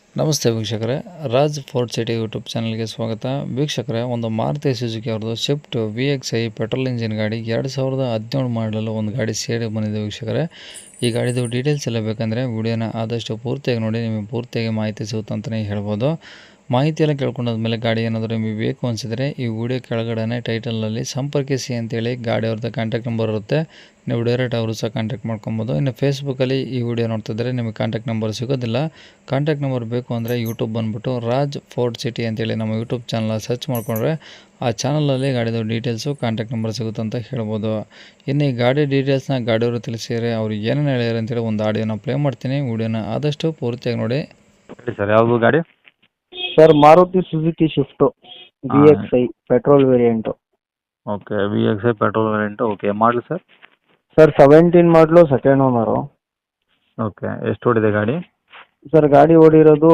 ನಮಸ್ತೆ ವೀಕ್ಷಕರೇ, Raj fort city YouTube ಚಾನಲ್ಗೆ ಸ್ವಾಗತ. ವೀಕ್ಷಕರೇ, ಒಂದು ಮಾರುತಿ ಸುಜುಕಿ ಅವ್ರದ್ದು ಶಿಫ್ಟ್ VXi ಪೆಟ್ರೋಲ್ ಇಂಜಿನ್ ಗಾಡಿ 2017 ಮಾಡಲು ಒಂದು ಗಾಡಿ ಸೇರಿ ಬಂದಿದೆ ವೀಕ್ಷಕರೇ. ಈ ಗಾಡಿದು ಡೀಟೇಲ್ಸ್ ಎಲ್ಲ ಬೇಕಂದರೆ ವಿಡಿಯೋನ ಆದಷ್ಟು ಪೂರ್ತಿಯಾಗಿ ನೋಡಿ, ನಿಮಗೆ ಪೂರ್ತಿಯಾಗಿ ಮಾಹಿತಿ ಸಿಗುತ್ತೆ ಅಂತಲೇ ಹೇಳ್ಬೋದು. ಮಾಹಿತಿ ಎಲ್ಲ ಕೇಳ್ಕೊಂಡಾದ್ಮೇಲೆ ಗಾಡಿ ಏನಾದರೂ ನಿಮಗೆ ಬೇಕು ಅನಿಸಿದರೆ ಈ ವಿಡಿಯೋ ಕೆಳಗಡೆ ಟೈಟಲಲ್ಲಿ ಸಂಪರ್ಕಿಸಿ ಅಂತೇಳಿ ಗಾಡಿ ಅವ್ರದ್ದು ಕಾಂಟ್ಯಾಕ್ಟ್ ನಂಬರ್ ಇರುತ್ತೆ. ನೀವು ಡೈರೆಕ್ಟ್ ಅವರು ಸಹ ಕಾಂಟ್ಯಾಕ್ಟ್ ಮಾಡ್ಕೊಬೋದು. ಇನ್ನು ಫೇಸ್ಬುಕ್ಕಲ್ಲಿ ಈ ವಿಡಿಯೋ ನೋಡ್ತಿದ್ರೆ ನಿಮಗೆ ಕಾಂಟ್ಯಾಕ್ಟ್ ನಂಬರ್ ಸಿಗೋದಿಲ್ಲ. ಕಾಂಟ್ಯಾಕ್ಟ್ ನಂಬರ್ ಬೇಕು ಅಂದರೆ ಯೂಟ್ಯೂಬ್ ಬಂದುಬಿಟ್ಟು ರಾಜ್ ಫೋರ್ಟ್ ಸಿಟಿ ಅಂತೇಳಿ ನಮ್ಮ ಯೂಟ್ಯೂಬ್ ಚಾನಲ್ ಸರ್ಚ್ ಮಾಡಿಕೊಂಡ್ರೆ ಆ ಚಾನಲಲ್ಲಿ ಗಾಡಿದು ಡೀಟೇಲ್ಸು ಕಾಂಟ್ಯಾಕ್ಟ್ ನಂಬರ್ ಸಿಗುತ್ತೆ ಅಂತ ಹೇಳ್ಬೋದು. ಇನ್ನು ಈ ಗಾಡಿ ಡೀಟೇಲ್ಸ್ನ ಗಾಡಿಯವರು ತಿಳಿಸಿದರೆ ಅವ್ರು ಏನೇನು ಹೇಳ್ಯಾರ ಅಂತೇಳಿ ಒಂದು ಆಡಿಯೋನ ಪ್ಲೇ ಮಾಡ್ತೀನಿ. ವಿಡಿಯೋನ ಆದಷ್ಟು ಪೂರ್ತಿಯಾಗಿ ನೋಡಿ. ಸರ್, ಯಾವುದು ಗಾಡಿ? Sir, Maruti Suzuki Swift VXi petrol variant. Okay, VXi petrol variant. Okay, ಮಾಡಲಿ ಸರ್? ಸರ್, 17 ಮಾಡಲು ಸೆಕೆಂಡ್ ಓನರು. ಓಕೆ, ಎಷ್ಟು ಓಡಿದೆ ಗಾಡಿ? ಸರ್, ಗಾಡಿ ಓಡಿರೋದು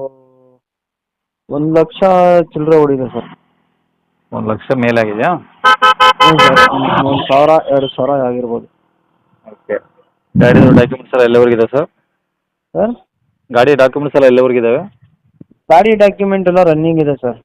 1 ಲಕ್ಷ ಚಿಲ್ಲರೆ ಓಡಿದೆ ಸರ್. 1 ಲಕ್ಷ ಮೇಲಾಗಿದೆಯಾ? ಹ್ಞೂ ಸರ್, 1,000 2,000 ಆಗಿರ್ಬೋದು. ಓಕೆ, ಗಾಡಿದು ಡಾಕ್ಯುಮೆಂಟ್ಸ್ ಎಲ್ಲ ಎಲ್ಲಿವರೆಗಿದೆ ಸರ್? ಸರ್, ಗಾಡಿ ಡಾಕ್ಯುಮೆಂಟ್ಸ್ ಎಲ್ಲ ಎಲ್ಲಿವರೆಗಿದ್ದಾವೆ? ಗಾಡಿ ಡಾಕ್ಯುಮೆಂಟ್ ಎಲ್ಲ ರನ್ನಿಂಗ್ ಇದೆ ಸರ್.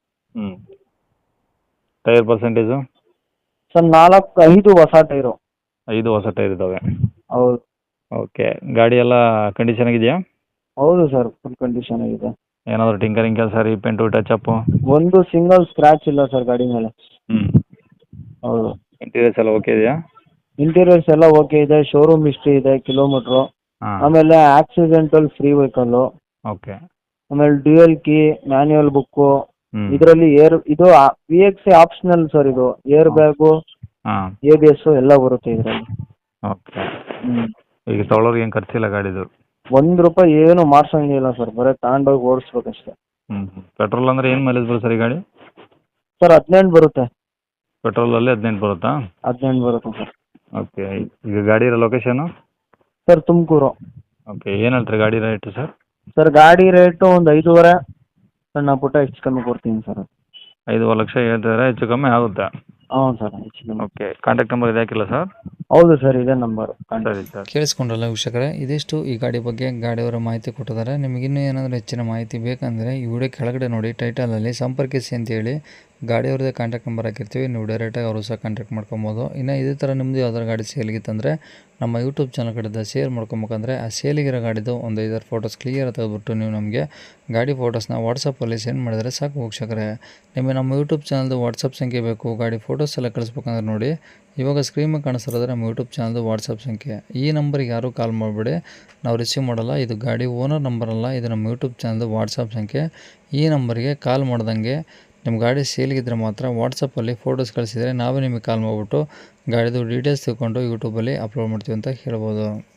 Tyre percentage? ಸರ್, 5 ಹೊಸ ಟೈರು. 5 ಹೊಸ ಟೈರ್ ಇದ್ದಾವೆ. ಹೌದು. ಓಕೆ, ಗಾಡಿ ಎಲ್ಲ ಕಂಡೀಷನ್ ಆಗಿದೆಯಾ? ಹೌದು ಸರ್, ಫುಲ್ ಕಂಡೀಷನ್ ಆಗಿದೆ. ಏನಾದರೂ ಟಿಂಕರಿಂಗ್ ಕೆಲಸ, ರೀಪೇಂಟು, ಟಚಪ್ಪು? ಒಂದು ಸಿಂಗಲ್ ಸ್ಕ್ರ್ಯಾಚ್ ಇಲ್ಲ ಸರ್ ಗಾಡಿ ಮೇಲೆ. ಹೌದು. ಇಂಟೀರಿಯರ್ಸ್ ಎಲ್ಲ ಓಕೆ ಇದೆಯಾ? ಇಂಟೀರಿಯರ್ಸ್ ಎಲ್ಲ ಓಕೆ ಇದೆ. ಶೋರೂಮ್ ಹಿಸ್ಟ್ರಿ ಇದೆ, ಕಿಲೋಮೀಟ್ರು. ಆಮೇಲೆ ಆಕ್ಸಿಡೆಂಟಲ್ ಫ್ರೀ ವೆಹಿಕಲ್ಲು. ಓಕೆ. ಆಮೇಲೆ ಡ್ಯೂಯಲ್ ಕೀ, ಮ್ಯಾನ್ಯುಯಲ್ ಬುಕ್ಕು. ಇದರಲ್ಲಿ ಇದು VXi ಆಪ್ಷನಲ್ ಸರ್. ಇದು ಏರ್ ಬ್ಯಾಗು, ABS ಎಲ್ಲ ಬರುತ್ತೆ ಇದರಲ್ಲಿ. ಓಕೆ. ಈಗ ತೊಗೊಳೋರಿಗೆ ಏನು ಖರ್ಚಿಲ್ಲ ಗಾಡಿದು? ₹1 ಏನು ಮಾಡ್ಸಂಗಿಲ್ಲ ಸರ್, ಬರೀ ತಗೊಂಡೋಗಿ ಓಡಿಸ್ಬೇಕಷ್ಟೇ. ಪೆಟ್ರೋಲ್ ಅಂದರೆ ಏನು ಮೈಲೇಜ್ ಬರುತ್ತೆ ಸರ್ ಈ ಗಾಡಿ? ಸರ್, 18 ಬರುತ್ತೆ. ಪೆಟ್ರೋಲಲ್ಲಿ 18 ಬರುತ್ತಾ? 18 ಬರುತ್ತೆ ಸರ್. ಓಕೆ, ಈಗ ಗಾಡಿ ಇರೋ ಲೊಕೇಶನು? ಸರ್, ತುಮಕೂರು. ಓಕೆ, ಏನು ಹೇಳ್ತೀರಿ ಗಾಡಿ ರೇಟು ಸರ್? ಸರ್, ಗಾಡಿ ರೇಟು ಒಂದು 5.5 ಸಣ್ಣ ಪುಟ್ಟ ಹೆಚ್ಚು ಕಮ್ಮಿ ಕೊಡ್ತೀನಿ ಸರ್. 5 ಲಕ್ಷ ಹೇಳ್ತಿದ್ದಾರೆ, ಹೆಚ್ಚು ಕಮ್ಮಿ ಆಗುತ್ತೆ? ಹ್ಞೂ ಸರ್, ಹೆಚ್ಚು ಕಮ್ಮಿ. ಓಕೆ, ಕಾಂಟ್ಯಾಕ್ಟ್ ನಂಬರ್ ಇದು ಹಾಕಿಲ್ಲ ಸರ್? ಹೌದು ಸರ್, ಇದೇ ನಂಬರು. ಸರಿ ಸರ್. ಕೇಳಿಸ್ಕೊಂಡ್ರಲ್ಲ ವೀಕ್ಷಕರೇ, ಇದಿಷ್ಟು ಈ ಗಾಡಿ ಬಗ್ಗೆ ಗಾಡಿಯವರ ಮಾಹಿತಿ ಕೊಟ್ಟಿದ್ದಾರೆ. ನಿಮಗಿನ್ನೂ ಏನಾದರೂ ಹೆಚ್ಚಿನ ಮಾಹಿತಿ ಬೇಕಂದರೆ ಈ ವಿಡಿಯೋ ಕೆಳಗಡೆ ನೋಡಿ ಟೈಟಲಲ್ಲಿ ಸಂಪರ್ಕಿಸಿ ಅಂತೇಳಿ ಗಾಡಿಯವ್ರದ್ದೇ ಕಾಂಟ್ಯಾಕ್ಟ್ ನಂಬರ್ ಹಾಕಿರ್ತೀವಿ. ನೀವು ಡೈರೆಕ್ಟಾಗಿ ಅವರು ಸಹ ಕಾಂಟ್ಯಾಕ್ಟ್ ಮಾಡ್ಕೊಬೋದು. ಇನ್ನು ಇದೇ ಥರ ನಿಮ್ಮದು ಯಾವ್ದಾರು ಗಾಡಿ ಸೇಲ್ಗಿತ್ತಂದರೆ ನಮ್ಮ ಯೂಟ್ಯೂಬ್ ಚಾನಲ್ ಕಡೆಯಿಂದ ಶೇರ್ ಮಾಡ್ಕೊಬೇಕಂದ್ರೆ ಆ ಸೇಲಿಗಿರೋ ಗಾಡಿದು ಒಂದು 5 ಫೋಟೋಸ್ ಕ್ಲಿಯರ್ ತೆಗೆದುಬಿಟ್ಟು ನೀವು ನಮಗೆ ಗಾಡಿ ಫೋಟೋಸ್ನ ವಾಟ್ಸಪ್ಪಲ್ಲಿ ಸೆಂಡ್ ಮಾಡಿದರೆ ಸಾಕು ವೀಕ್ಷಕರೇ. ನಿಮಗೆ ನಮ್ಮ ಯೂಟ್ಯೂಬ್ ಚಾನಲ್ದು ವಾಟ್ಸಪ್ ಸಂಖ್ಯೆ ಬೇಕು, ಗಾಡಿ ಫೋಟೋಸ್ ಎಲ್ಲ ಕಳಿಸ್ಬೇಕಂದ್ರೆ ನೋಡಿ ಇವಾಗ ಸ್ಕ್ರೀನ್ ಮೇಲೆ ಕಾಣಿಸ್ತಿರೋದ್ರೆ ನಮ್ಮ ಯೂಟ್ಯೂಬ್ ಚಾನಲ್ದು ವಾಟ್ಸಪ್ ಸಂಖ್ಯೆ. ಈ ನಂಬರಿಗೆ ಯಾರೂ ಕಾಲ್ ಮಾಡಿಬಿಡಿ, ನಾವು ರಿಸೀವ್ ಮಾಡಲ್ಲ. ಇದು ಗಾಡಿ ಓನರ್ ನಂಬರ್ ಅಲ್ಲ, ಇದು ನಮ್ಮ ಯೂಟ್ಯೂಬ್ ಚಾನಲ್ದು ವಾಟ್ಸಪ್ ಸಂಖ್ಯೆ. ಈ ನಂಬರಿಗೆ ಕಾಲ್ ಮಾಡ್ದಂಗೆ ನಿಮ್ಮ ಗಾಡಿ ಸೇಲ್ಗಿದ್ರೆ ಮಾತ್ರ ವಾಟ್ಸಪ್ಪಲ್ಲಿ ಫೋಟೋಸ್ ಕಳಿಸಿದರೆ ನಾವೇ ನಿಮಗೆ ಕಾಲ್ ಮಾಡಿಬಿಟ್ಟು ಗಾಡಿದು ಡೀಟೇಲ್ಸ್ ತಿಳ್ಕೊಂಡು ಯೂಟ್ಯೂಬಲ್ಲಿ ಅಪ್ಲೋಡ್ ಮಾಡ್ತೀವಿ ಅಂತ ಹೇಳ್ಬೋದು.